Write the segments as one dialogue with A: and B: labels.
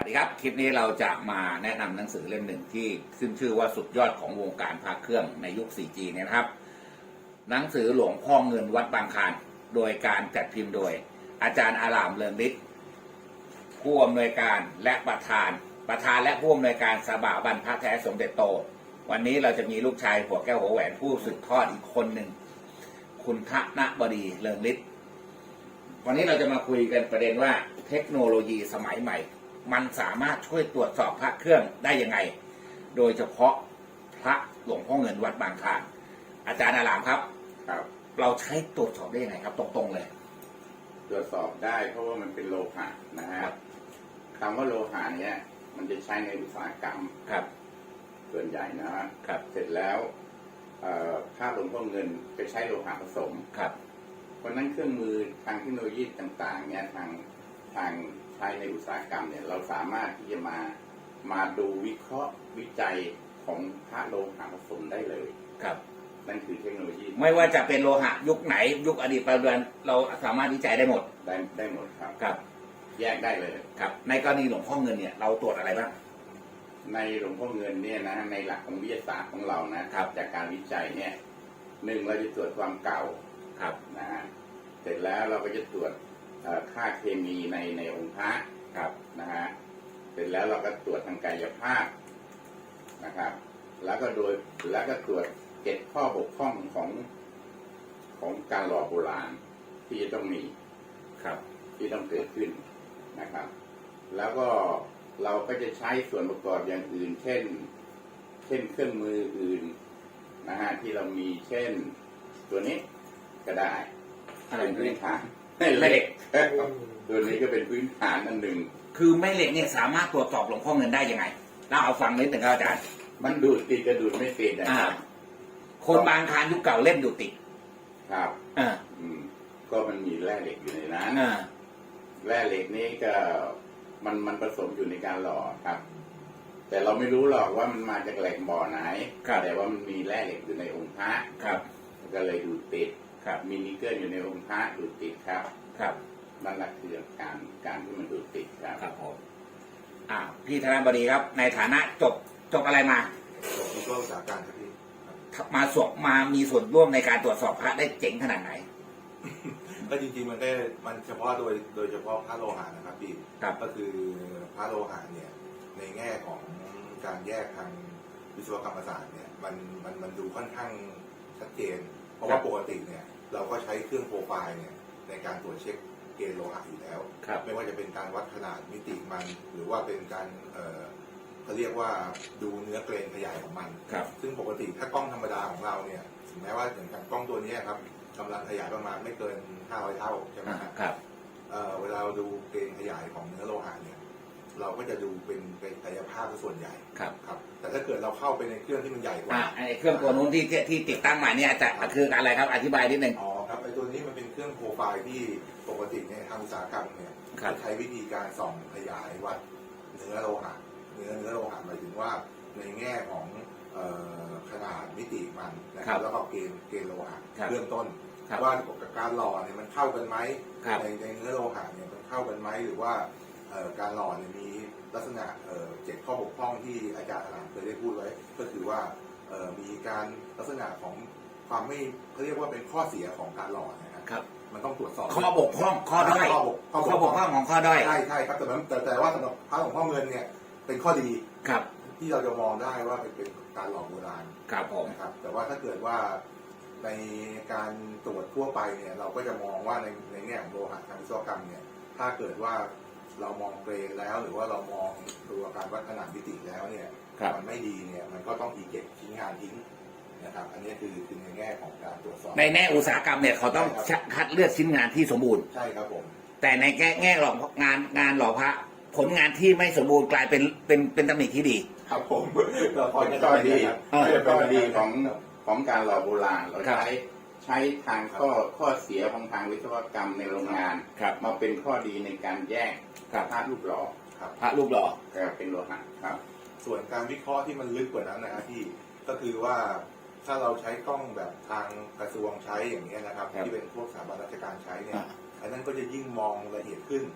A: สดีครับคลิปนี้เราจะมาแนะนำหนังสือเล่มหนึ่งที่ขึ้นชื่อว่าสุดยอดของวงการพระเครื่องในยุค 4G เนี่ยนะครับหนังสือหลวงพ่อเงินวัดบางคลานโดยการจัดพิมพ์โดยอาจารย์อารามเรืองฤทธิ์ผู้อำนวยการและประธานและผู้อำนวยการสถาบันพระแท้สมเด็จโตวันนี้เราจะมีลูกชายหัวแก้วหัวแหวนผู้สืบทอดอีกคนหนึ่งคุณธนบดีเรืองฤทธิ์วันนี้เราจะมาคุยกันประเด็นว่าเทคโนโลยีสมัยใหม่มันสามารถช่วยตรวจสอบพระเครื่องได้ยังไงโดยเฉพาะพระหลวงพ่อเงินวัดบางคลานอาจารย์อารามครับเราใช้ตรวจสอบได้ยังไงครับตรงๆเลย
B: ตรวจสอบได้เพราะว่ามันเป็นโลหะนะฮะคำว่าโลหะเนี้ยมันจะใช้ในอุตสาหกรรมส่วนใหญ่นะครับเสร็จแล้วพระหลวงพ่อเงินจะใช้โลหะผสมเพราะนั้นเครื่องมือทางเทคโนโลยีต่างๆเนี่ยทางใช้ในอุตสาหกรรมเนี่ยเราสามารถที่จะมาดูวิเคราะห์วิจัยของพระโลหะผสมได้เลยนั่นคือเทคโนโลยี
A: ไม่ว่าจะเป็นโลหะยุคไหนยุคอดีตปัจจุบันเราสามารถวิจัยได้หมด
B: ได้หมดครับแยกได้เลย
A: ครับในกรณีหลวงพ่อเงินเนี่ยเราตรวจอะไรบ้าง
B: ในหลวงพ่อเงินเนี่ยนะในหลักของวิทยาศาสตร์ของเรานะครับจากการวิจัยเนี่ยหนึ่งเราจะตรวจความเก่านะฮะเสร็จแล้วเราก็จะตรวจค่าเคมีในองค์พระนะฮะเสร็จแล้วเราก็ตรวจทางกายภาพนะครับแล้วก็ตรวจ7ข้อบกพร่องของการหล่อโบราณที่จะต้องมีที่ต้องเกิดขึ้นนะครับแล้วก็เราก็จะใช้ส่วนประกอบอย่างอื่นเช่นเครื่องมืออื่นนะฮะที่เรามีเช่นตัวนี้ก็ได้เป็นพื้นฐานเหล็กตัวนี้ก็เป็นพื้นฐานอันหนึ่ง
A: คือแม่เหล็กเนี่ยสามารถตรวจสอบหลวงพ่อเงินได้ยังไงเราเอาฟังนิดหนึ่งครับอาจารย์
B: มันดูดติดกระดูดไม่ติดนะครับ
A: คนบางคลานยุคเก่าเล่นดูดติด
B: ครับก็มันมีแร่เหล็กอยู่ในนั้นแร่เหล็กนี้ก็มันผสมอยู่ในการหล่อครับแต่เราไม่รู้หรอกว่ามันมาจากแหล่งบ่อไหนแต่ว่ามันมีแร่เหล็กอยู่ในองค์พระก็เลยดูดติดมีนิกเกิลอยู่ในองค์พระดูดติดครับนั่นแหละคือการที่มันดูดติด
A: ครับผมพี่ธนบดีครับในฐานะจบอะไรมา
C: จบวิศวะอุตสาหการครับพี่
A: มามีส่วนร่วมในการตรวจสอบพระได้เจ๋งขนาดไหน
C: ก็จริงๆมันเฉพาะโดยเฉพาะพระโลหะนะครับพี่ก็คือพระโลหะเนี่ยในแง่ของการแยกทางวิศวกรรมศาสตร์เนี่ยมันดูค่อนข้างชัดเจนเพราะว่าปกติเนี่ยเราก็ใช้เครื่องโปรไฟล์เนี่ยในการตรวจเช็คเกณฑ์โลหะอยู่แล้วไม่ว่าจะเป็นการวัดขนาดมิติมันหรือว่าเป็นการเขาเรียกว่าดูเนื้อเกรนขยายของมันซึ่งปกติถ้ากล้องธรรมดาของเราเนี่ยถึงแม้ว่าอย่างกล้องตัวนี้ครับกำลังขยายประมาณไม่เกิน500 เท่าใช่ไหมครับเวลาเราดูเกณฑ์ขยายของเนื้อโลหะเนี่ยเราก็จะดูเป็นกายภาพส่วนใหญ่ครับแต่ถ้าเกิดเราเข้าไปในเครื่องที่มันใหญ่กว่า
A: ไอ้เครื่องตัวนู้นที่ติดตั้งมาเนี่ยจะคืออะไรครับอธิบายนิดนึง
C: ครับไอ้ตัวนี้มันเป็นเครื่องโปรไฟล์ที่ปกติในทางอุตสาหกรรมเนี่ยใช้วิธีการส่องขยายวัดเนื้อโลหะเนื้อโลหะหมายถึงว่าในแง่ของขนาดมิติมันนะครับแล้วก็เกณฑ์โลหะเบื้องต้นว่ากับการหล่อเนี่ยมันเข้ากันไหมในเนื้อโลหะเนี่ยมันเข้ากันไหมหรือว่าการหล่อเนี่ยมีลักษณะ7ข้อบกพร่องที่อาจารย์อารามเคยได้พูดไว้ก็คือว่ามีการลักษณะของความไม่เขาเรียกว่าเป็นข้อเสียของการหล่อนะครับมันต้องตรวจสอบ
A: ข้อบกพร่องข้อด้อยข้อบกพร่องของข้อด้อย
C: ใช่ครับแต่ว่าสำหรับพระหลวงพ่อเงินเนี่ยเป็นข้อดีที่เราจะมองได้ว่าเป็นการหล่อโบราณนะครับแต่ว่าถ้าเกิดว่าในการตรวจทั่วไปเนี่ยเราก็จะมองว่าในแง่ของโลหะทางวิศวกรรมเนี่ยถ้าเกิดว่าเรามองเกรนแล้วหรือว่าเรามองตัวการวัดขนาดมิติแล้วเนี่ยมันไม่ดีเนี่ยมันก็ต้องอีเก็บชิ้นงานทิ้งนะครับอันนี้คือในแง่ของการตรวจสอบ
A: ในแง่อุตสาหกรรมเนี่ยเขาต้องคัดเลือกชิ้นงานที่สมบูรณ์
C: ใช่ครับผม
A: แต่ในแง่หล่องานหล่อพระผลงานที่ไม่สมบูรณ์กลายเป็นตำหนิที่ดี
C: ครับผม
B: เราพอจะดีเป็นดีของการหล่อโบราณเราใช้ทางข้อเสียของทางวิศวกรรมในโรงงานมาเป็นข้อดีในการแยกพระรูปหล่อ
A: พระรูปหล่อ
B: เป็นโลหะครับ
C: ส่วนการวิเคราะห์ที่มันลึกกว่านั้นนะครับที่ก็คือว่าถ้าเราใช้กล้องแบบทางกระทรวงใช้อย่างนี้นะครับที่เป็นพวกสถาบันราชการใช้เนี่ยอันนั้นก็จะยิ่งมองละเอียดขึ้น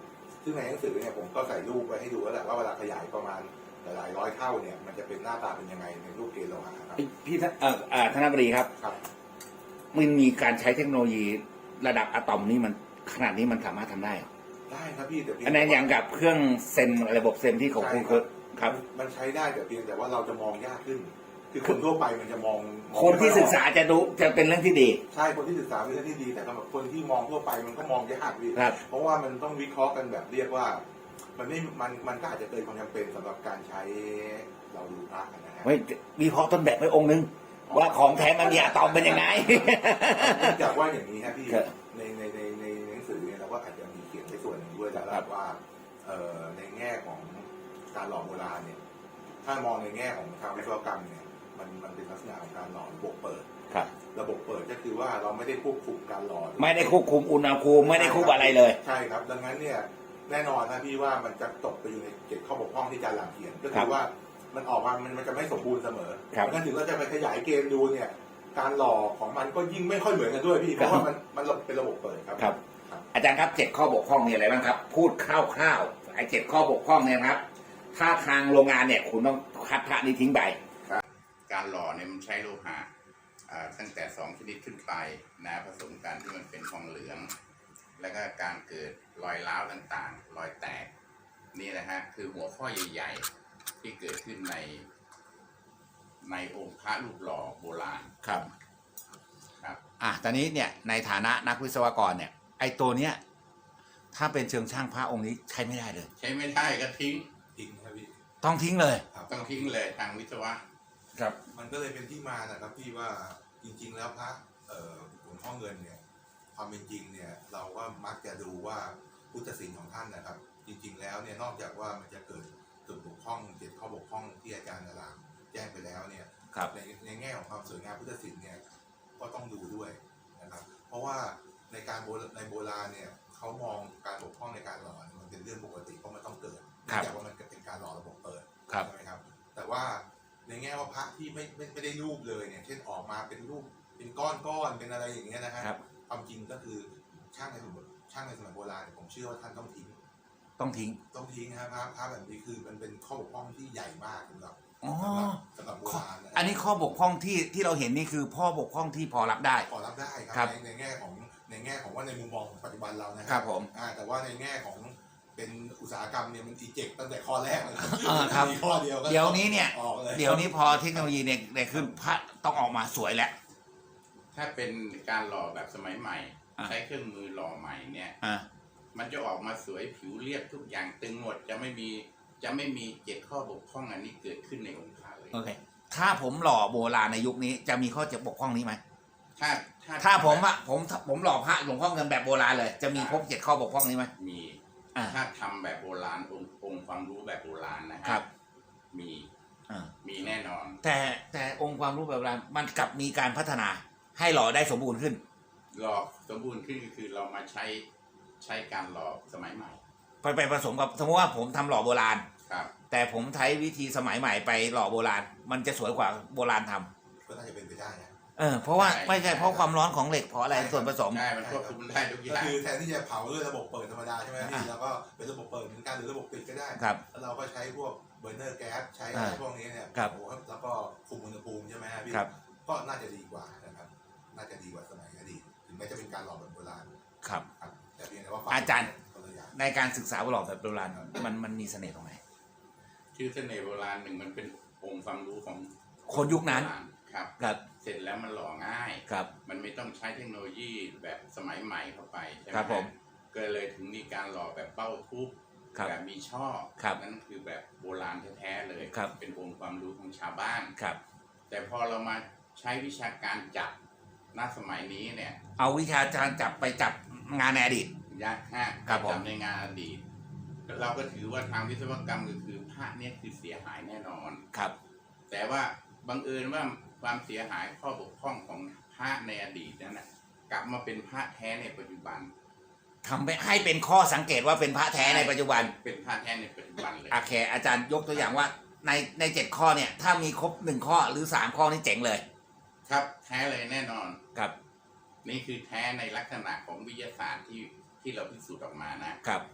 C: ซึ่งในหนังสือเนี่ยผมก็ใส่รูปไว้ให้ดูแล้วแหละว่าเวลาขยายประมาณหลายร้อยเท่าเนี่ยมันจะเป็นหน้าตาเป็นยังไงในรูปเกณฑ์โลหะครับ
A: พี่ธนบดีครับ
C: ครับ
A: มันมีการใช้เทคโนโลยีระดับอะตอมนี่มันขนาดนี้มันสามารถทำได้เหรอ
C: ได้ครับพี่แต่เพียง
A: อันนั้นอย่างกับเครื่องเซมระบบเซมที่ของคุณครับ
C: มันใช้ได้แต่เพียงแต่ว่าเราจะมองยากขึ้น คือคนทั่วไปมันจะมอง
A: คนที่ศึกษาจะดูจะเป็นเรื่องที่ดี
C: ใช่คนที่ศึกษาเป็นเรื่องที่ดีแต่สำหรับคนที่มองทั่วไปมันก็มองยากพี่
A: ครับ
C: เพราะว่ามันต้องวิเคราะห์กันแบบเรียกว่า มันก็อาจจะเกินความจำเป็นสำหรับการใช้เราดูพระนะฮะ
A: ไว้วิเคราะห์ต้นแบบไว้องค์นึงว่าของแท้มันมีอะตอมเป็นยังไง
C: เนื่องจากว่าอย่างนี้ครับพี่
A: ครับ
C: ในหนังสือเนี่ยเราก็อาจจะมีเขียนในส่วนหนึ่งด้วยแล้ว
A: ครับ
C: ว่าในแง่ของการหล่อโบราณเนี่ยถ้ามองในแง่ของทางวิศวกรรมเนี่ยมันเป็นลักษณะของการหล่อระบบเปิด
A: ครับ
C: ระบบเปิดก็คือว่าเราไม่ได้ควบคุมการหล่อ
A: ไม่ได้ควบคุมอุณหภูมิไม่ได้ควบอะไรเลย
C: ใช่ครับดังนั้นเนี่ยแน่นอนนะพี่ว่ามันจะตกไปอยู่ในเกณฑ์ข้อบกพร่องที่อาจารย์หลังเขียนก็
A: ครั
C: คื
A: บ
C: อว่ามันออกมามันจะไม่สมบูรณ์เสมอ
A: ครับ
C: ดังนั้นถึงเราจะไปขยายเกณฑ์ดูเนี่ยการหล่อของมันก็ยิ่งไม่ค่อยเหมือนกันด้วยพี่เพราะว่ามันเป็นระบบเปิดครับ
A: ครับ อาจารย์ครับ7 ข้อบกพร่องมีอะไรบ้างครับ พูดคร่าวๆไอ้7 ข้อบกพร่องเนี่ยนะครับถ้าทางโรงงานเนี่ยคุณต้องคัดพระนี้ทิ้งไป
B: การหล่อเนี่ยมันใช้โลหะตั้งแต่2 ชนิดขึ้นไปนะผสมกันที่มันเป็นทองเหลือง แล้วก็การเกิดรอยร้าวต่างๆ รอยแตกนี่นะฮะคือหัวข้อใหญ่ๆ ที่เกิดขึ้นในองค์พระรูปหล่อโบราณ
A: ครับ
B: ครับ
A: ตอนนี้เนี่ยในฐานะนักวิศวกรเนี่ยไอ้ตัวเนี้ยถ้าเป็นเชิงช่างพระองค์นี้ใช้ไม่ได้เลย
B: ใช้ไม่ได้ก็ทิ้ง
C: ทิ้งครับพี่
A: ต้องทิ้งเลย
C: ครับ
B: ต้องทิ้งเลยทางวิศวะ
A: ครับ
C: มันก็เลยเป็นที่มานะครับพี่ว่าจริงๆแล้วพระหลวงพ่อเงินเนี่ยความเป็นจริงเนี่ยเราก็มักจะดูว่าพุทธศิลป์ของท่านนะครับ จริงๆแล้วเนี่ยนอกจากว่ามันจะเกิดจุดบกพร่อง7 ข้อบกพร่องที่อาจารย์นรามแจ้งไปแล้วเนี่ย
A: ครับ
C: ในแง่ของความสวยงามพุทธศิลป์เนี่ยก็ต้องดูด้วยนะครับ เพราะว่าในโบราณเนี่ยเขามองการบกพร่องในการหล่อเนี่ยมันเป็นเรื่องปกติเพราะมันต้องเกิดเนื่องจากว่ามันเป็นการหล่อระบบเปิด
A: ครับ
C: ใช่ไหมครับ แต่ว่าในแง่ว่าพระที่ไม่ได้รูปเลยเนี่ยเช่นออกมาเป็นรูปเป็นก้อนเป็นอะไรอย่างเงี้ยนะฮะ
A: ครับ
C: ความจริงก็คือช่างในสมัยโบราณเนี่ยผมเชื่อว่าท่านต้องทิ้ง
A: ต้องทิ้ง
C: นะครับพระแบบนี้คือมันเป็นข้อบกพร่องที่ใหญ่มากสำหรับ
A: อ๋อ
C: สำหรับโบราณนะ
A: อันนี้ข้อบกพร่องที่เราเห็นนี่คือพ่อบกพร่องที่พอรับได้
C: ขอรับได้ค
A: ครั
C: รับ ในแง่ของว่าในมุมมองของปัจจุบันเรานะ
A: ครับผม
C: แต่ว่าในแง่ของเป็นอุตสาหกรรมเนี่ยมันอีเจกตั้งแต่ข้อแรกเลย
A: ครับ
C: มีข้อเดียวก็
A: เดี๋ยวนี้เนี่ย
C: ออกเลย
A: เดี๋ยวนี้พอเทคโนโลยีเนี่ยขึ้นพระต้องออกมาสวยแล้ว
B: ถ้าเป็นการหล่อแบบสมัยใหม่
A: อ่ะ
B: ใช้เครื่องมือหล่อใหม่เนี่ย
A: อ่า
B: มันจะออกมาสวยผิวเรียบทุกอย่างตึงหมดจะไม่มี7 ข้อบกพร่องอันนี้เกิดขึ้นในองค์พระเลย
A: โอเค ถ้าผมหล่อโบราณในยุคนี้จะมีข้อจะบกพร่องนี้ไหม
B: ถ้า
A: ถ้าผมหล่อพระหลวงพ่อเงินแบบโบราณเลย จะมีพบ7 ข้อบกพร่องนี้ไหม
B: มี
A: อ่า
B: ถ้าทำแบบโบราณองค์ความรู้แบบโบราณนะฮะ
A: ครับ
B: มี
A: อ่า
B: มีแน่นอน
A: แต่องค์ความรู้แบบโบราณมันกลับมีการพัฒนาให้หล่อได้สมบูรณ์ขึ้น
B: หล่อสมบูรณ์ขึ้นก็คือเรามาใช้การหล่อสมัยใหม่
A: ไปผสมกับสมมติว่าผมทำหล่อโบราณ
B: ครับ
A: แต่ผมใช้วิธีสมัยใหม่ไปหล่อโบราณ มันจะสวยกว่าโบราณทำ
C: ก็น่าจะเป็นไปได้นะ
A: เพราะว่าไม่ใช่เพราะความร้อนของเหล็กเพราะอะไรส่วนผสม
B: ใช่มันควบคุมได้ทุกอ
C: ก็
B: ย่าง
C: คือแทนที่จะเผาด้วยระบบเปิดธรรมดาใช่ไหมพี่
A: อ่ะ
C: แล้วก็เป็นระบบเปิดเหมือนกันหรือระบบปิดก็ได้
A: ครับ
C: แล้วเราก็ใช้พวกเบอร์เนอร์แก๊สใช้อะไรพวกนี้เนี่ย
A: ครับ
C: โอ้โหแล้วก็คุมอุณหภูมิใช่ไหมฮะพี่
A: ครับ
C: ก็น่าจะดีกว่านะครับ น่าจะดีกว่าสมัยอดีตถึงแม้จะเป็นการหล่อแบบโบราณ
A: ครับ
C: ครับแต่เพียงแต่ว่า
A: อาจารย์
C: คนละอย่าง
A: ในการศึกษาหล่อแบบโบราณมันมีเสน่ห์ตรงไหน
B: ชื่อเสน่ห์โบราณหนึ่งมันเป็นองค์ความรู้ของ
A: คนยุคนั้น
B: ครับ
A: ครับ
B: เสร็จแล้วมันหล่อง่าย
A: ครับ
B: มันไม่ต้องใช้เทคโนโลยีแบบสมัยใหม่เข้าไปใช่ไหม
A: ครับผม
B: ก็เลยถึงมีการหล่อแบบเป้าทุบ
A: ครับ
B: แบบมีช่อ
A: ครับ
B: นั่นคือแบบโบราณแท้ๆเลย
A: ครับ
B: เป็นองค์ความรู้ของชาวบ้าน
A: ครับ
B: แต่พอเรามาใช้วิชาการจับณสมัยนี้เนี่ย
A: เอาวิชาการจับไปจับงานในอดีต
B: ยากฮะ
A: ครับผม
B: จับในงานอดีตเราก็ถือว่าทางวิศวกรรมก็คือพระเนี่ยคือเสียหายแน่นอน
A: ครับ
B: แต่ว่าบังเอิญว่าความเสียหายข้อบกพร่องของพระในอดีตนั้นนะกลับมาเป็นพระแท้ในปัจจุบัน
A: ทำให้เป็นข้อสังเกตว่าเป็นพระแท้ในปัจจุบัน
B: เป็นพระแท้ในปัจจุบันเลย
A: โอเค อาจารย์ยกตัวอย่างว่าใน7 ข้อเนี่ย ถ้ามีครบ1 ข้อหรือ3 ข้อนี่เจ๋งเลย
B: ครับแท้เลยแน่นอน
A: ครับ
B: นี่คือแท้ในลักษณะของวิทยาศาสตร์ที่เราพิสูจน์ออกมานะ
A: ครับ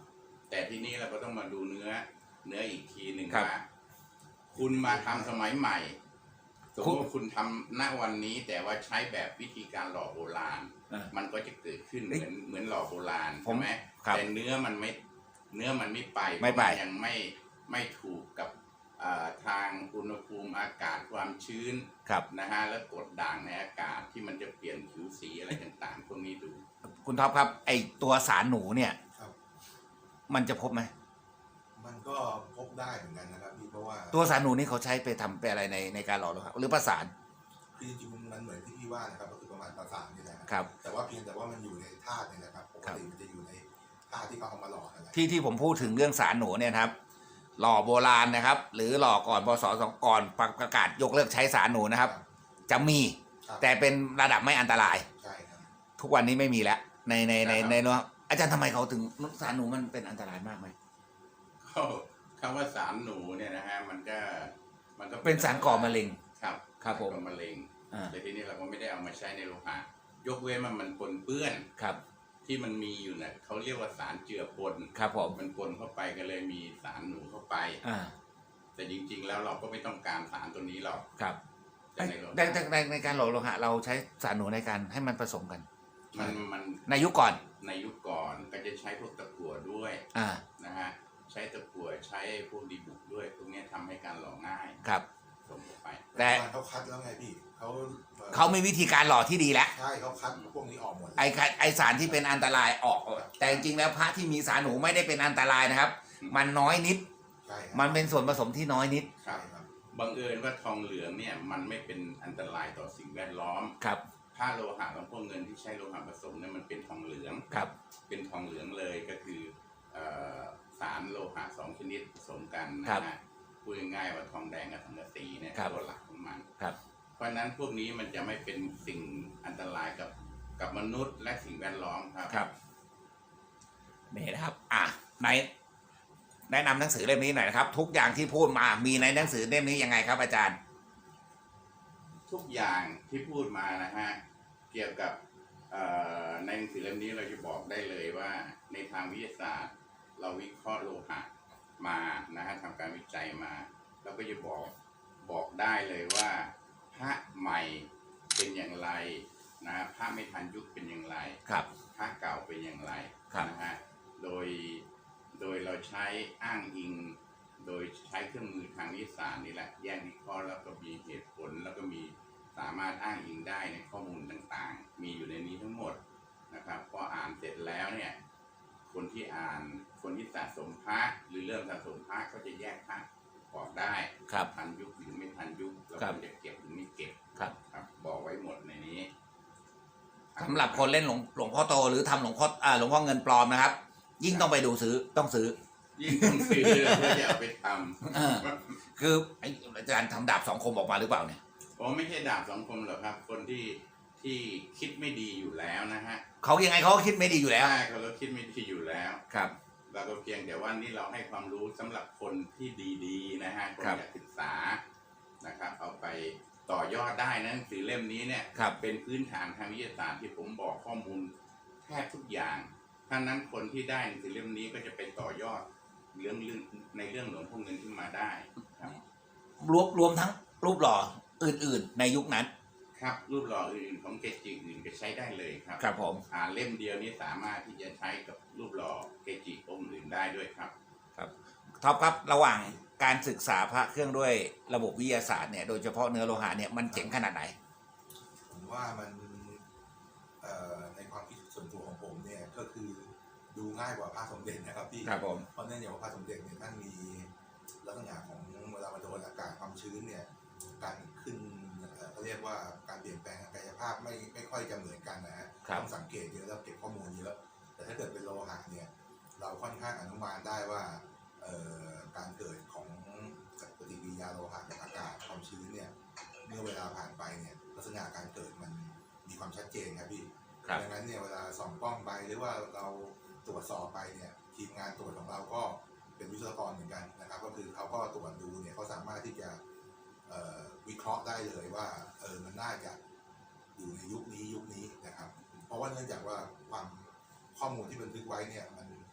B: แต่ที่นี้เราก็ต้องมาดูเนื้ออีกทีหนึ่ง
A: ครับ
B: ว่าคุณมาทำสมัยใหม่สมมติว่าคุณทำณวันนี้แต่ว่าใช้แบบวิธีการหล่อโบราณ มันก็จะเกิดขึ้นเหมือนหล่อโบราณใช่ไหม
A: ครับ
B: แต่เนื้อมันไม่ไป
A: ไม่ไป
B: เพราะนยังไม่ถูกกับทางอุณหภูมิอากาศความชื้น
A: ครับ
B: นะฮะแล้วกรดด่างในอากาศที่มันจะเปลี่ยนผิวสีอะไรต่างๆพวกนี้ดู
A: คุณท็อปครับไอตัวสารหนูเนี่ย
C: ครับ
A: มันจะพบไหม
C: มันก็พบได้เหมือนกันนะครับพี่เพราะว่า
A: ตัวสารหนูนี่เขาใช้ไปทำไปอะไรในการหล่อโลหะหรือประสาน
C: คือจริงๆมันเหมือนที่พี่ว่านะครับก็คือประมาณประสานนี่แหละ
A: ครับ
C: แต่ว่าเพียงแต่ว่ามันอยู่ในธาตุเนี่ยนะครับปกติมันจะอยู่ในธาตุที่เขาเอามาหล่ออะไร
A: ที่ผมพูดถึงเรื่องสารหนูเนี่ยนะครับ หล่อโบราณนะครับ หรือหล่อก่อนพศ2ก่อนประกาศยกเลิกใช้สารหนูนะครับ จะมี
C: ครับ
A: แต่เป็นระดับไม่อันตราย
C: ใช่ครับ
A: ทุกวันนี้ไม่มีแล้วใน
B: ครับ
A: เนอะอาจารย์ทำไมเขาถึงสารหนูมันเป็นอันตรายมากไหม
B: คำว่าสารหนูเนี่ยนะฮะมันก็
A: เป็นสารก่อมะเร็ง
B: ครับ
A: ครับผม
B: ก่อมะเร็ง
A: อ่า
B: แต่ทีนี้เราก็ไม่ได้เอามาใช้ในโลหะยกเว้นมันปนเปื้อน
A: ครับ
B: ที่มันมีอยู่น่ะเขาเรียกว่าสารเจือปน
A: ครับผม
B: มันปนเข้าไปก็เลยมีสารหนูเข้าไป
A: อ่า
B: แต่จริงๆแล้วเราก็ไม่ต้องการสารตัวนี้หรอก
A: ครับ
B: แต่ในโลหะ
A: ในการหล่อโลหะเราใช้สารหนูในการให้มันผสมกัน
B: มัน
A: ในยุคก่อน
B: ในยุคก่อนก็จะใช้พวกตะกั่วด้วย
A: อ่า
B: นะฮะใช้ตะกั่วใช้พวกดีบุกด้วยพวกเนี้ยทำให้การหล่อง่าย
A: ครับ
B: สมเข้าไป
A: แต่
C: เขาคัดแล้วไงพี่เขา
A: เขามีวิธีการหล่อที่ดีแล้ว
C: ใช่เขาคัดพวกนี้ออกหมดเลย
A: ไอสารที่เป็นอันตรายออก แต่จริงๆแล้วพระที่มีสารหนูไม่ได้เป็นอันตรายนะครับ มันน้อยนิด
C: ใช่ครับ
A: มันเป็นส่วนผสมที่น้อยนิด
B: ครั
C: ใช่
B: บ
C: ครับ
B: บังเอิญว่าทองเหลืองเนี่ยมันไม่เป็นอันตรายต่อสิ่งแวดล้อม
A: ครับ
B: ถ้าโลหะหลวงพ่อเงินที่ใช้โลหะผสมเนี่ยมันเป็นทองเหลือง
A: ครับ
B: เป็นทองเหลืองเลยก็คือเอ่อสารโลหะสองชนิดผสมกัน
A: ครั
B: นะ
A: บ
B: ฮะพูดง่ายๆว่าทองแดงกับทองกะสีเนี่ย
A: ครับ
B: ตัวหลักของมัน
A: ครับ
B: เพราะฉะนั้นพวกนี้มันจะไม่เป็นสิ่งอันตรายกับมนุษย์และสิ่งแวดล้อมครับ
A: ครับนี่นะครับ ในแนะนำหนังสือเล่มนี้หน่อยนะครับ ทุกอย่างที่พูดมามีในหนังสือเล่มนี้ยังไงครับอาจารย์
B: ทุกอย่างที่พูดมานะฮะเกี่ยวกับในหนังสือเล่มนี้เราจะบอกได้เลยว่าในทางวิทยาศาสตร์ เราวิเคราะห์โลหะมานะฮะทำการวิจัยมาเราก็จะบอกได้เลยว่าพระใหม่เป็นอย่างไรนะพระไม่ทันยุคเป็นอย่างไร
A: ครับ
B: พระเก่าเป็นอย่างไร
A: ครับ
B: นะฮะโดยเราใช้อ้างอิง โดยใช้เครื่องมือทางวิทยาศาสตร์นี่แหละแยกวิเคราะห์แล้วก็มีเหตุผลแล้วก็มีสามารถอ้างอิงได้ในข้อมูลต่างๆ มีอยู่ในนี้ทั้งหมดนะครับพออ่านเสร็จแล้วเนี่ยคนที่อ่านคนที่สะสมพระหรือเริ่มสะสมพระก็จะแยกพระออกได้
A: ครับ
B: ทันยุคหรือไม่ทันยุคแล้ว
A: ครับ
B: ควรจะเก็บหรือไม่เก็บ
A: ครับ
B: ครับบอกไว้หมดในนี้
A: สำหรับคนเล่นหลวงพ่อโตหรือทำหลวงพ่อเงินปลอมนะครับ ยิ่งต้องไปดูซื้อต้องซื้อ
B: ยิ่งต้องซื้อเพื่อจะเอาไปท
A: เออ คืออาจารย์ทำดาบสองคมออกมาหรือเปล่าเนี่ย
B: ำผมไม่ใช่ดาบสองคมหรอกครับ คนที่คิดไม่ดีอยู่แล้วนะฮะ
A: เขายังไงเขาก็คิดไม่ดีอยู่แล้ว
B: ใช่เขาก็คิดไม่ดีอยู่แล้ว
A: ครับ
B: เราก็เพียงแต่ว่านี่เราให้ความรู้สำหรับคนที่ดีๆนะฮะคน
A: ครับ
B: อยากศึกษานะครับ เอาไปต่อยอดได้นะหนังสือเล่มนี้เนี่ย
A: ครับ
B: เป็นพื้นฐานทางวิทยาศาสตร์ที่ผมบอกข้อมูลแทบทุกอย่างถ้านั้นคนที่ได้หนังสือเล่มนี้ก็จะไปต่อยอดเรื่องในเรื่องหลวงพ่อเงินขึ้นมาได้ครับ
A: รวมทั้งรูปหล่ออื่นๆ ในยุคนั้น
B: ครับรูปหล่ออื่นๆของเกจิอื่นก็ใช้ได้เลยครับ
A: ครับผม
B: เล่มเดียวนี้สามารถที่จะใช้กับรูปหล่อเกจิองค์อื่นได้ด้วยครับ
A: ท็อปครับระหว่างการศึกษาพระเครื่องด้วยระบบวิทยาศาสตร์เนี่ยโดยเฉพาะเนื้อโลหะเนี่ยมันเจ๋งขนาดไหน
C: ผมว่ามันในความคิดส่วนตัวของผมเนี่ยก็คือดูง่ายกว่าพระสมเด็จนะครับพี่
A: ครับผม
C: เพราะเนื่องจากว่าพระสมเด็จเนี่ยท่านมีลักษณะของเวลามันโดนอากาศความชื้นเนี่ยการขึ้นเขาเรียกว่าการเปลี่ยนแปลงทางกายภาพไม่ค่อยจะเหมือนกันนะฮะ
A: ครับ
C: ต้องสังเกตเยอะแล้วเก็บข้อมูลเยอะแต่ถ้าเกิดเป็นโลหะเนี่ยเราค่อนข้างอนุมานได้ว่าการเกิดของปฏิกิริยาโลหะกับอากาศความชื้นเนี่ยเมื่อเวลาผ่านไปเนี่ยลักษณะการเกิดมันมีความชัดเจนครับพี่
A: ครับ
C: ดังนั้นเนี่ยเวลาส่องกล้องไปหรือว่าเราตรวจสอบไปเนี่ยทีมงานตรวจของเราก็เป็นวิศวกรเหมือนกันนะครับก็คือเขาก็ตรวจดูเนี่ยเขาสามารถที่จะวิเคราะห์ได้เลยว่ามันน่าจะอยู่ในยุคนี้นะครับเพราะว่าเนื่องจากว่าความข้อมูลที่บันทึกไว้เนี่ยมัน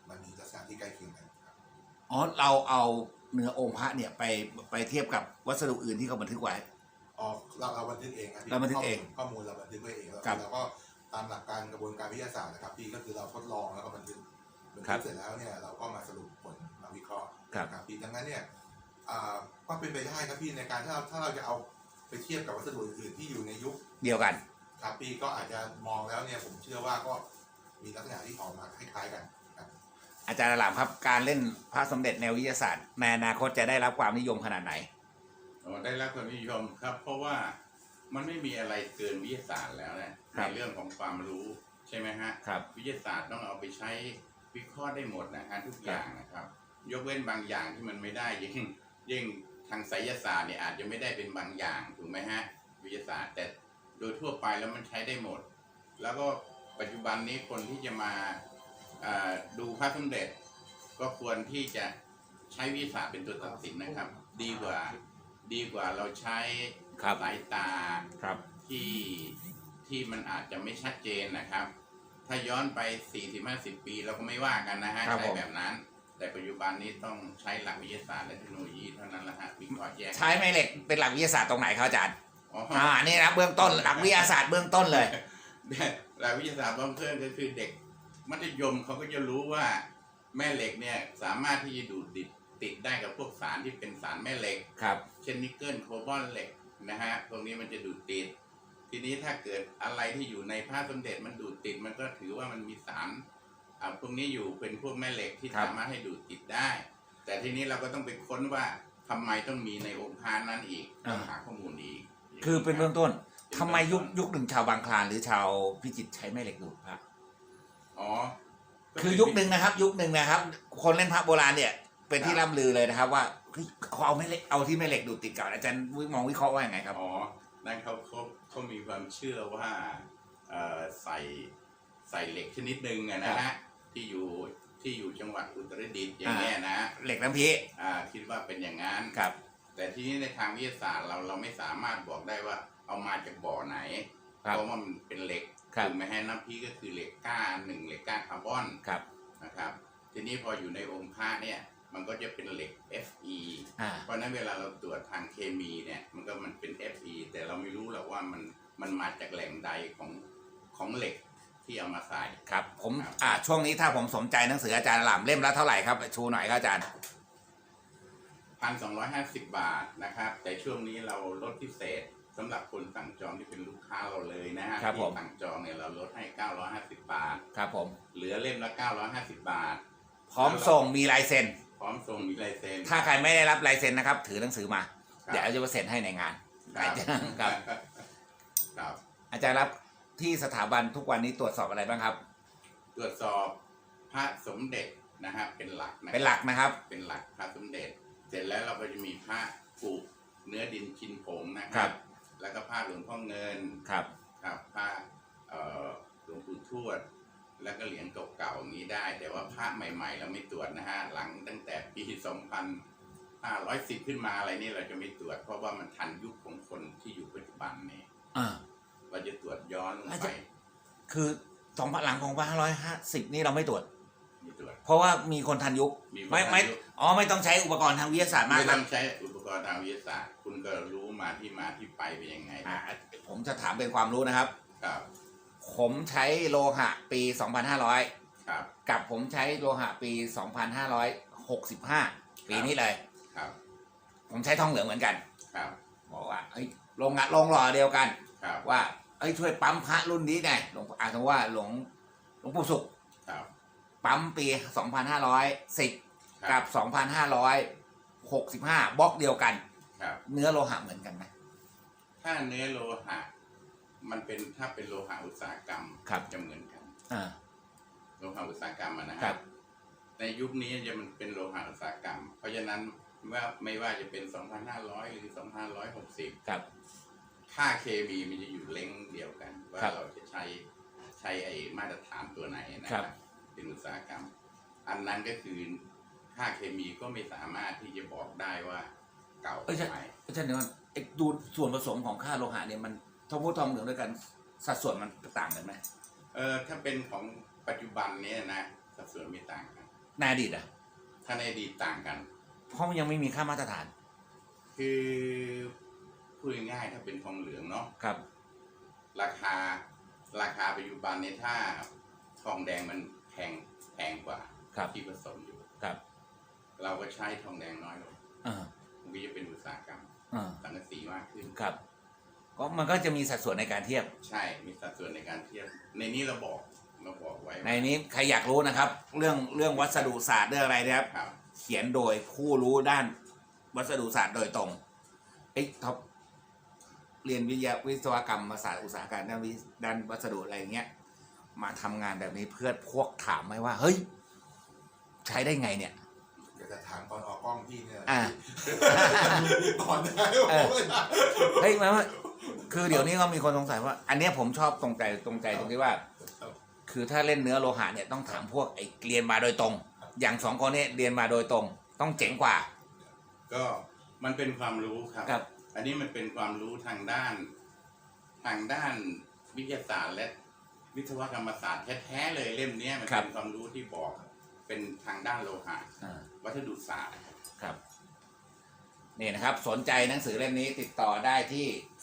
C: มันมีลักษณะที่ใกล้เคียงกันครับ
A: อ๋อเราเอาเนื้อองค์พระเนี่ยไปเทียบกับวัสดุอื่นที่เขาบันทึกไว้
C: อ๋อเราบันทึกเองครับพี่
A: เราบันทึกเอง
C: ข้อมูลเราบันทึกไว้เองแล้ว
A: ครับ
C: เราก็ตามหลักการกระบวนการวิทยาศาสตร์นะครับพี่ก็คือเราทดลองแล้วก็บันทึก
A: ครับ
C: เสร็จแล้วเนี่ยเราก็มาสรุปผลมาวิเคราะห์
A: ครับ
C: ครับพี่ดังนั้นเนี่ยก็เป็นไปได้ครับพี่ในการถ้าเราจะเอาไปเทียบกับวัสดุอื่นๆที่อยู่ในยุค
A: เดียวกัน
C: ครับพี่ก็อาจจะมองแล้วเนี่ยผมเชื่อว่าก็มีลักษณะที่ออกมาคล้ายๆกันครับ
A: อาจารย์หลามครับการเล่นพระสมเด็จแนววิทยาศาสตร์ในอนาคตจะได้รับความนิยมขนาดไหน
B: ได้รับความนิยมครับ เพราะว่ามันไม่มีอะไรเกินวิทยาศาสตร์แล้วนะในเรื่องของความรู้ใช่ไหมฮะ
A: ครับ
B: วิทยาศาสตร์ต้องเอาไปใช้วิเคราะห์ได้หมดนะฮะทุกอย่างนะครับ ยกเว้นบางอย่างที่มันไม่ได้ยิ่งทางไสยศาสตร์เนี่ยอาจจะไม่ได้เป็นบางอย่างถูกไหมฮะวิทยาศาสตร์แต่โดยทั่วไปแล้วมันใช้ได้หมด แล้วก็ปัจจุบันนี้คนที่จะมาดูพระสมเด็จ ก็ควรที่จะใช้วิทยาศาสตร์เป็นตัวตัดสินนะครับ ดีกว่าเราใช้
A: ครับ
B: สายตา
A: ครับ
B: ที่มันอาจจะไม่ชัดเจนนะครับ ถ้าย้อนไป 40-50 ปีเราก็ไม่ว่ากันนะฮะ
A: ครับ
B: ใช้
A: ผม
B: แบบนั้น แต่ปัจจุบันนี้ต้องใช้หลักวิทยาศาสตร์และเทคโนโลยีเท่านั้นละฮะวิเคราะห์แยก
A: ใช้แม่เหล็กเป็นหลักวิทยาศาสตร์ตรงไหนครับอาจารย์
B: อ๋อ
A: นี่นะเบื้องต้นหลักวิทยาศาสตร์เบื้องต้นเลย
B: หลักวิทยาศาสตร์เบื้องต้นก็คือเด็กมัธยมเขาก็จะรู้ว่าแม่เหล็กเนี่ยสามารถที่จะดูดติดได้กับพวกสารที่เป็นสารแม่เหล็ก
A: ครับ
B: เช่นนิกเกิลโคบอลเหล็กนะฮะตรงนี้มันจะดูดติด ทีนี้ถ้าเกิดอะไรที่อยู่ในพระสมเด็จมันดูดติดมันก็ถือว่ามันมีสารพวกนี้อยู่เป็นพวกแม่เหล็กที่
A: ครับ
B: สามารถให้ดูดติดได้ แต่ทีนี้เราก็ต้องไปค้นว่าทำไมต้องมีในองค์พระนั้นอีกต้องหาข้อมูลอีก
A: คือเป็นเบื้องต้นทำไมยุคหนึ่งชาวบางคลานหรือชาวพิจิตรใช้แม่เหล็กดูดพระ
B: อ๋อก็
A: คือยุคหนึ่งนะครับ ยุคหนึ่งนะครับ คนเล่นพระโบราณเนี่ย เป็นที่ร่ำลือเลยนะครับว่าเฮ้ยเขาเอาแม่เหล็กเอาที่แม่เหล็กดูดติดกันอาจารย์มองวิเคราะห์ว่าอย่างไงครับ
B: อ๋อนั่นเขามีความเชื่อว่าใส่เหล็กชนิดหนึ่งอะนะฮะที่อยู่จังหวัดอุตรดิตถ์อย่างเงี้ยนะ
A: เหล็กน้ำพี
B: คิดว่าเป็นอย่างนั้น
A: ครับ
B: แต่ทีนี้ในทางวิทยาศาสตร์เราไม่สามารถบอกได้ว่าเอามาจากบ่อไหน
A: ครับ
B: เพราะว่ามันเป็นเหล็ก
A: ครับ
B: ถูกไหมฮะน้ำพีก็คือเหล็กก้าหนึ่งเหล็กก้าคาร์บอน
A: ครับ
B: นะครับ ทีนี้พออยู่ในองค์พระเนี่ยมันก็จะเป็นเหล็ก Fe
A: อ่า
B: เพราะฉะนั้นเวลาเราตรวจทางเคมีเนี่ยมันเป็น Fe แต่เราไม่รู้หรอกว่ามันมาจากแหล่งใดของเหล็กที่เอามาใส่
A: ครับผม
B: ครับ
A: ช่วงนี้ถ้าผมสนใจหนังสืออาจารย์หลามเล่มละเท่าไหร่ครับชูหน่อยครับอาจารย์
B: 1,250 บาทนะครับ แต่ช่วงนี้เราลดพิเศษสำหรับคนสั่งจองที่เป็นลูกค้าเราเลยนะฮะ
A: ครับผม
B: ที่สั่งจองเนี่ยเราลดให้ 950 บาท
A: ครับผม
B: เหลือเล่มละ 950 บาท
A: พร้อมส่งมีลายเซ็น
B: พร้อมส่งมีลายเซ็น
A: ถ้าใครไม่ได้รับลายเซ็นนะครับ ถือหนังสือมา
B: ครับ
A: เดี๋ยวจะมาเซ็นให้ในงาน
B: ครับ
A: ครับ
B: ครับ
A: อาจารย์รับที่สถาบันทุกวันนี้ตรวจสอบอะไรบ้างครับ
B: ตรวจสอบพระสมเด็จนะฮะเป็นหลักนะ
A: เป็นหลักนะครับ
B: เป็นหลักพระสมเด็จ เสร็จแล้วเราก็จะมีพระกุเนื้อดินชินผงนะค
A: ครั
B: รับ แล้วก็ผ้าหลวงพ่อเงิน
A: ครับ
B: ครับผ้าหลวงปู่ทวด แล้วก็เหรียญเก่าๆอย่างนี้ได้ แต่ว่าพระใหม่ๆ เราไม่ตรวจนะฮะหลังตั้งแต่ปี 2510 ขึ้นมาอะไรนี่เราจะไม่ตรวจ เพราะว่ามันทันยุคของคนที่อยู่ปัจจุบันนี่
A: อ่า
B: เราจะตรวจย้อนลง
A: อาจ
B: ไป
A: จะ คือหลังของ2550นี่เราไม่ตรวจ
B: ไม่ตรวจ
A: เพราะว่ามีคนทันยุค
B: มีคน
A: ไม่
B: ทัน
A: ไม่
B: ยุค
A: ไม่ต้องใช้อุปกรณ์ทางวิทยาศาสตร์มาก
B: ไม่
A: ค
B: ต้
A: รั
B: อบ งใช้อุปกรณ์ทางวิทยาศาสตร์ คุณก็รู้มาที่ไปเป็นยังไง
A: ผมจะถามเป็นความรู้นะครับ
B: ครับ
A: ผมใช้โลหะปี 2500
B: ครับ
A: กับผมใช้โลหะปี 2565 ปีนี้เลย
B: ครับ
A: ผมใช้ทองเหลืองเหมือนกัน
B: ครับ
A: บอกว่าเฮ้ยลงหล่อเดียวกัน
B: ครับ
A: ว่าเอ้ยช่วยปั๊มพระรุ่นนี้ไงหลวงสมมติว่าหลวงปู่สุข
B: ครับ
A: ปั๊มปี 2510 กับ 2565 บล็อกเดียวกัน
B: ครับ
A: เนื้อโลหะเหมือนกันไหม
B: ถ้าเนื้อโลหะถ้าเป็นโลหะอุตสาหกรรม
A: ครับ
B: จะเหมือนกัน
A: อ่า
B: โลหะอุตสาหกรรมอะนะ
A: ค
B: ค
A: รั
B: รับ บในยุคนี้จะมันเป็นโลหะอุตสาหกรรม เพราะฉะนั้นไม่ว่าจะเป็น 2,500 หรือ 2,560
A: ครับ
B: ค่าเคมีมันจะอยู่เล้งเดียวกัน ว่า
A: ครับ
B: เราจะใช้ไอ้มาตรฐานตัวไหนนะ
A: ค
B: ค
A: รั
B: รับ บเป็นอุตสาหกรรม อันนั้นก็คือค่าเคมีก็ไม่สามารถที่จะบอกได้ว่าเก่า
A: เอ้ยใช่
B: ใหม่
A: อาจารย์เดี๋ยวก่อนไอ้ดูส่วนผสมของค่าโลหะเนี่ยมันทองพูดทองเหลืองด้วยกันสัดส่วนมันต่างกันไหม
B: ถ้าเป็นของปัจจุบันเนี้นะสัดส่วนไม่ต่างกัน
A: ในอดีตอ่ะ
B: ถ้าในอดีตต่างกัน
A: เพราะมันยังไม่มีค่ามาตรฐาน
B: คือพูดง่ายๆถ้าเป็นทองเหลืองเนาะ
A: ครับ
B: ราคาปัจจุบันเนี่ยถ้าทองแดงมันแพงกว่า
A: ครับ
B: ที่ผสมอยู่
A: ครับ
B: เราก็ใช้ทองแดงน้อยลง
A: อ่า
B: มันก็จะเป็นอุตสาหกรรม
A: อ่า
B: สังกะสีมากขึ้น
A: ครับก็มันก็จะมีสัดส่วนในการเทียบ
B: ใช่มีสัดส่วนในการเทียบ ในนี้เราบอกไว้
A: ในนี้ใครอยากรู้นะครับ เรื่องวัสดุศาสตร์เรื่องอะไรนะครับ
B: ครับ
A: เขียนโดยผู้รู้ด้านวัสดุศาสตร์โดยตรงท็อปเรียนวิศวกรรมศาสตร์อุตสาหการด้านวัสดุอะไรอย่างเงี้ยมาทำงานแบบนี้เพื่อพวกถามไหมว่า เฮ้ย ใช้ได้ไงเนี่ย
C: เดี๋ยวจะถามตอนออกกล้องพี่เนี่ย
A: อ่า
C: ก่อนได้
A: เฮ้ยหมายว่าคือเดี๋ยวนี้ก็มีคนสงสัยว่า อันเนี้ยผมชอบตรงใจตรงที่ว่า คือถ้าเล่นเนื้อโลหะเนี่ยต้องถามพวกไอ้เรียนมาโดยตรง อย่างสองคนนี้เรียนมาโดยตรง ต้องเจ๋งกว่า
B: ก็มันเป็นความรู้ครับ
A: ครับ
B: อันนี้มันเป็นความรู้ทางด้านวิทยาศาสตร์และวิศวกรรมศาสตร์แท้ๆเลยเล่มเนี้ยมันเป็นความรู้ที่บอกเป็นทางด้านโลหะ
A: อ่า
B: วัสดุศาสตร์
A: ครับนี่นะครับสนใจหนังสือเล่มนี้ติดต่อได้ที่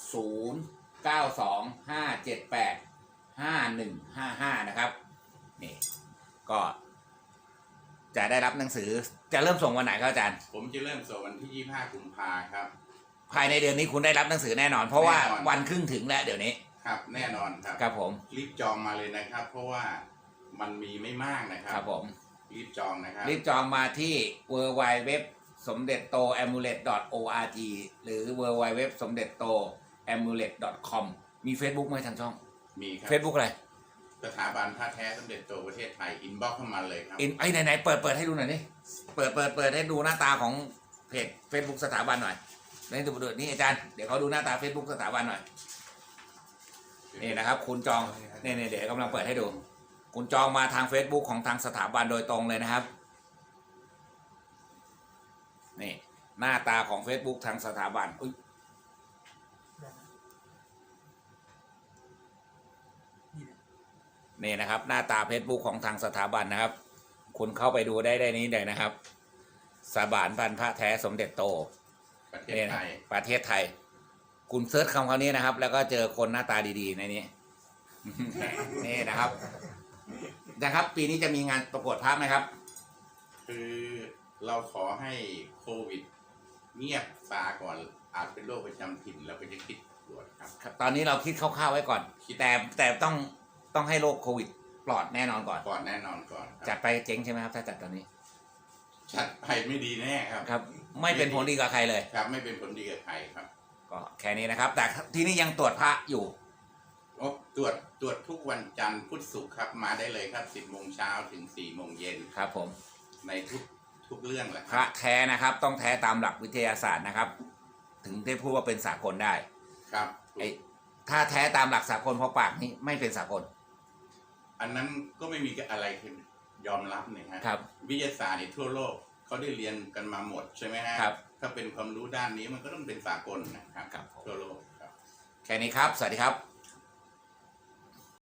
A: 0925785155 นะครับนี่ก็จะได้รับหนังสือจะเริ่มส่งวันไหนครับอาจารย์
B: ผมจะเริ่มส่งวันที่ 25 กุมภาครับ
A: ภายในเดือนนี้คุณได้รับหนังสือแน่นอน เพราะว่า
B: แน่นอน
A: วันครึ่งถึงแล้วเดี๋ยวนี้
B: ครับแน่นอนครับ
A: ครับผม
B: รีบจองมาเลยนะครับ เพราะว่ามันมีไม่มากนะครั
A: ครับผม
B: รีบจองนะครับ
A: รีบจองมาที่ www สมเด็จโต amulet.org หรือ www สมเด็จโต amulet.com มี Facebook ไหมทางช่อง
B: มีครับ
A: Facebook อะไร
B: สถาบันผ้าแท้สมเด็จโตประเทศไทยอินบ็อกเข้ามาเลยครับ
A: ไหนเปิดให้ดูหน่อยนี่เปิดให้ดูหน้าตาของเพจ Facebook สถาบันหน่อยนี่ดูนี่อาจารย์เดี๋ยวเขาดูหน้าตา Facebook สถาบันหน่อยนี่นะครับ คุณจองนี่เดี๋ยวกำลังเปิดให้ดู คุณจองมาทาง Facebook ของทางสถาบันโดยตรงเลยนะครับนี่หน้าตาของ Facebook ทางสถาบันนี่นะครับ หน้าตา Facebook ของทางสถาบันนะครับ คุณเข้าไปดูได้นี้เลยนะครับสถาบันพันพระแท้สมเด็จโต
B: ประเทศไทย
A: ประเทศไทย คุณเซิร์ชคำนี้นะครับ แล้วก็เจอคนหน้าตาดีๆในนี้ นี่นะครับปีนี้จะมีงานประกวดพระไหมครับ
B: คือเราขอให้โควิดเงียบซาก่อนอาจเป็นโรคประจำถิ่นเราก็จะคิดตรวจครับ
A: ตอนนี้เราคิดคร่าวๆไว้ก่อน แต่ต้องให้โรคโควิดปลอดแน่นอนก่อน
B: ก่อนแน่นอนก่อนครับ
A: จัดไปเจ๊งใช่ไหมครับถ้าจัดตอนนี้
B: จัดไปไม่ดีแน่ครับ
A: ครับ ไม่เป็นผลดีกับใครเลย
B: ครับไม่เป็นผลดีกับใครครับ
A: ก็แค่นี้นะครับ แต่ที่นี่ยังตรวจพระอยู่
B: โอ้ตรวจทุกวันจันทร์พุธศุกร์ครับมาได้เลยครับ 10 โมงเช้าถึง 4 โมงเย็น
A: ครับผม
B: ในทุกเรื่องแหละ
A: พระแท้นะครับ ต้องแท้ตามหลักวิทยาศาสตร์นะครับ ถึงได้พูดว่าเป็นสากลได้
B: ครับ
A: ถ้าแท้ตามหลักสากลเพราะปากนี่ไม่เป็นสากล
B: อันนั้นก็ไม่มีอะไรคือยอมรับเนี่ยฮะ
A: ครับ
B: วิทยาศาสตร์ในทั่วโลกเขาได้เรียนกันมาหมดใช่ไหมฮะ
A: ครับ
B: ถ้าเป็นความรู้ด้านนี้มันก็ต้องเป็นสากลนะครับ
A: ครับผม
B: ทั่วโลกครับ
A: แค่นี้ครับ สวัสดีครับ